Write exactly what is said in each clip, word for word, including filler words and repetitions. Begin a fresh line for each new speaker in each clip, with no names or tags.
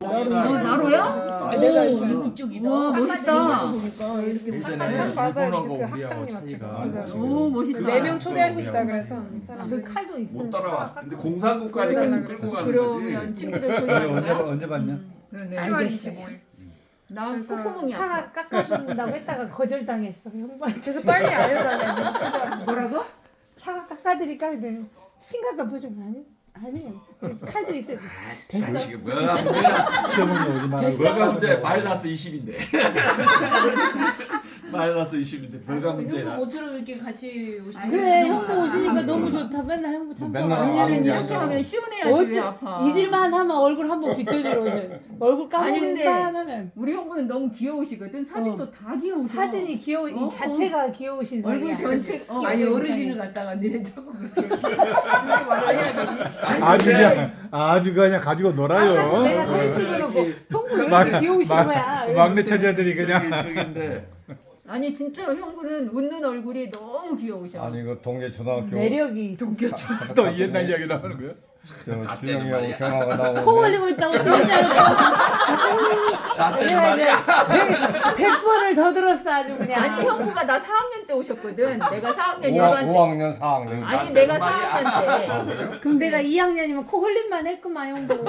어, 나로야?
내가
오.
미국 쪽이다.
와, 멋있다.
보니까 이렇게
예전에
받아요.
일본하고
그
우리하고
학장님한테.
차이가
맞아요.
오, 멋있다.
네 명 초대할 수 있다 그래서 사람.
저기 칼도 있어.
못 따라와. 근데 공산국가니까 지금 끌고 가는
그러면
거지.
친구들
언제
초대할까?
언제 봤냐?
시월 이십오일.
나
그래서
콧구멍이
사과
아파.
깎아준다고 했다가 거절당했어. 형부한테.
그래서 빨리 알려달라고 초대하고.
뭐라고? 사과 깎아드릴까? 근데 심각한 표정 아니? 아니에요. 그래서 칼도 있어요.
아,
됐어.
지금 뭐가 문제야?
시어머니 오지 말고.
뭐가 문제? 마이너스 이십인데. 마이너스 이십인데 뭐가 문제야?
모처럼 이렇게 같이 오시는
그래 형부 오시니까 너무 좋다. 맨날 형부 참
맨날
좋아.
아는
언니는
게
이렇게
아니라.
하면 시원해야지 왜
어째
아파?
잊을만 하면 얼굴 한번 비춰주러 오셔. 얼굴
아니, 근데
까먹을만 하면
우리 형부는 너무 귀여우시거든. 사진도 다 귀여우셔.
사진이 귀여워.
어,
이 자체가 귀여우신
얼굴
사이야.
전체 어,
아니
얼굴
어르신을 갖다가 니네 자꾸 그렇게 그렇게 말해야 되니?
아주 그냥 아주 그냥 가지고
내가
놀아요.
사진 찍어놓고 형부 왜
막-
이렇게 귀여우신
막-
거야.
막내 처자들이
저기
그냥
저기인데.
아니 진짜 형부는 웃는 얼굴이 너무 귀여우셔.
아니 그 동계 초등학교
매력이
또 옛날 이야기 나오는 거야?
저 준영이하고 경아가
코
나오는데
올리고 있다고 진짜로
나 때는
내가
말이야.
백 번을 더 들었어 아주 그냥.
아니 형부가 나 사 학년 때 오셨거든. 내가 사 학년
오
일반 때.
학년 사 학년
아니
나
내가
때는
사 학년 때.
그럼 내가 이 학년이면 코 흘림만 했구만 형부.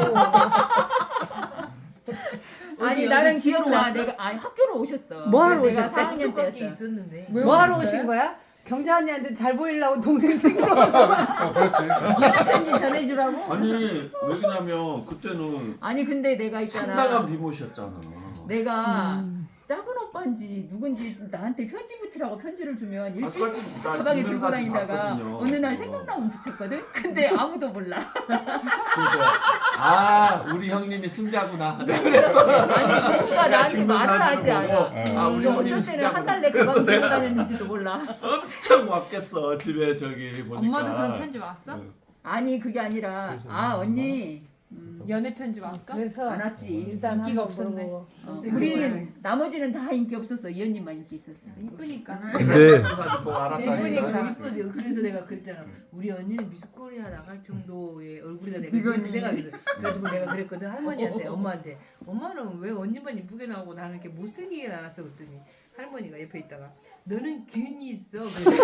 아니 나는 기억나. 내가 아니 학교로 오셨어.
뭐 하러
내가
오셨대?
사 학년
똑같이
때였어.
있었는데.
뭐 하러 오신 거야? 경자 언니한테 잘 보이려고 동생 챙기러 온 거야.
어, 그렇지
편지 전해주라고.
아니 왜냐면 그때는
아니 근데 내가 있잖아.
상당한 비모셨잖아.
내가
음.
작은 오빠인지 누군지 나한테 편지 붙이라고 편지를 주면
아,
일주일
사진 나
가방에 들고
증명사진
다니다가
봤거든요.
어느 날 생각나면 붙였거든. 근데 아무도 몰라.
그래서 아 우리 형님이 승자구나.
아니 누군가 나한테
증명사진을
말을 하지 않아.
보고, 아 우리
그리고
형님이
어쩔 때는 한 달
승자구나.
내
그래서
가방 들고
내가
다녔는지도 몰라.
엄청 왔겠어 집에 저기 보니까.
엄마도 그런 편지 왔어?
응.
아니 그게 아니라 아 언니 음,
연애 편지 왔어?
그래서
안 왔지.
일단
인기가
한번
없었네.
물어보고.
어, 우리 나머지는 다 인기 없었어. 이 언니만 인기 있었어.
이쁘니까.
네.
사진 보고 알았다니까.
예쁘니까. 이쁘지. 그래서 내가 그랬잖아. 우리 언니는 미스 코리아 나갈 정도의 얼굴이다. 내가 그런 생각했어. 그래가지고 내가 그랬거든 할머니한테, 엄마한테. 엄마는 왜 언니만 이쁘게 나오고 나는 이렇게 못생기게 나왔어 그랬더니 할머니가 옆에 있다가 너는 균이 있어.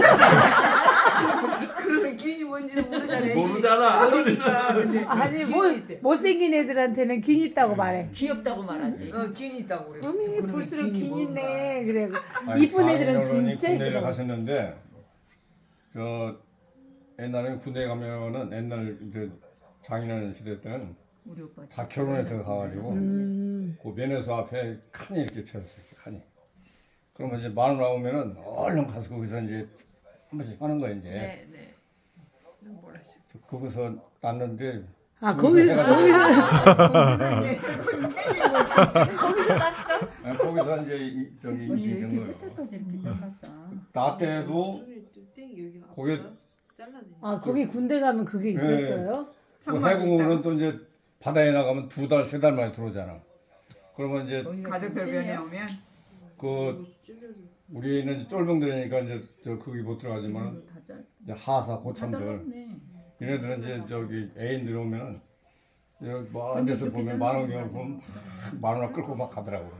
그러면 균이 뭔지도 모르잖아.
모르잖아.
그러니까. 근데
아니
균이
뭐
있대.
못생긴 애들한테는 균 있다고 말해.
귀엽다고 말하지.
어, 균이 있다고 그랬어.
어미
그러면
볼수록
균이
균
뭔가.
있네. 그래.
아니,
이쁜 애들은
장인어른이
진짜
군대를
이쁘다.
가셨는데 저 옛날에 군대 가면은 옛날 이제 장인어른 시대 때는
우리 오빠.
다 결혼해서 가가지고
음.
그 면회소 앞에 칸이 이렇게 쳐있어요 칸이 그러면 이제 마누라 나오면은 얼른 가서 거기서 이제 한 번씩 하는 거야 이제
네, 네.
저 거기서 났는데
아 거기서 거기서
거기서 갔어?
아, 거기서 이제 이, 저기
언니 왜
임신이
이렇게
된 거예요
끝에까지 이렇게 잘랐어?
나 때도 거기
아 거기 군대 가면 그게 있었어요?
그 해군은 또 이제 바다에 나가면 두 달, 세 달 만에 들어오잖아. 그러면 이제
가족 별변에
오면
그 우리는 쫄병들이니까 이제 저 거기 못 들어가지만 이제 하사 고참들 얘네들은 이제 저기 애인들 오면은 뭐한 데서 보면 만원경을 보면 만원 끌고 막 가더라고.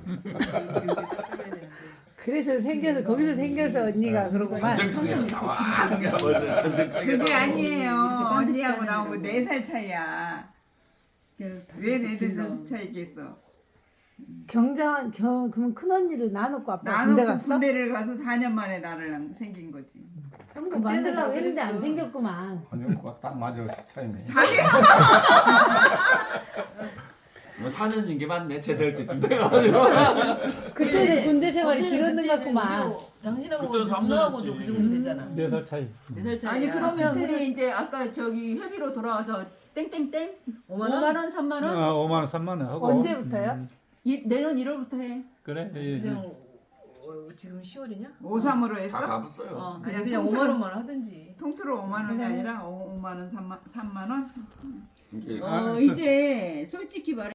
그래서 생겨서 거기서 생겨서 언니가 그러고만.
전쟁터야. 나와. 전쟁터야.
그게 아니에요. 언니하고 나하고 네 살 차이야. 왜 네 살 차이겠어?
경자 경 그러면 큰 언니를 나놓고 아빠 군대
나는
갔어?
군대를 가서 사 년 만에 나를 생긴 거지.
형부 만들라고 했는데 안
그랬어.
생겼구만.
아니요, 딱 맞아 타임이.
뭐 사는 게 맞네. 제대할 때쯤 돼가지고.
그때는 군대 생활이
어제는
길었는 것
그때
같구만.
그래도 당신하고
그때는 삼
누나하고도
년이었지.
그 정도 되잖아.
네 살 차이.
네 살 차이.
아니 그러면 우리 이제 아까 저기 회비로 돌아와서 땡땡땡
오만 원?
오만 원, 삼만 원?
아, 오만 원, 삼만 원 하고.
언제부터요?
음,
이 내년 일월부터 해.
그래. 예, 예.
그냥 어, 지금 시월이냐?
오삼으로
다
했어?
가봤어요.
어.
아니
그냥
그냥
통틀어-
오만 원만 하든지.
통틀어 오만 원이 아니라 오- 오만 원, 삼만 삼만 원?
이게
어 이제 솔직히 말해.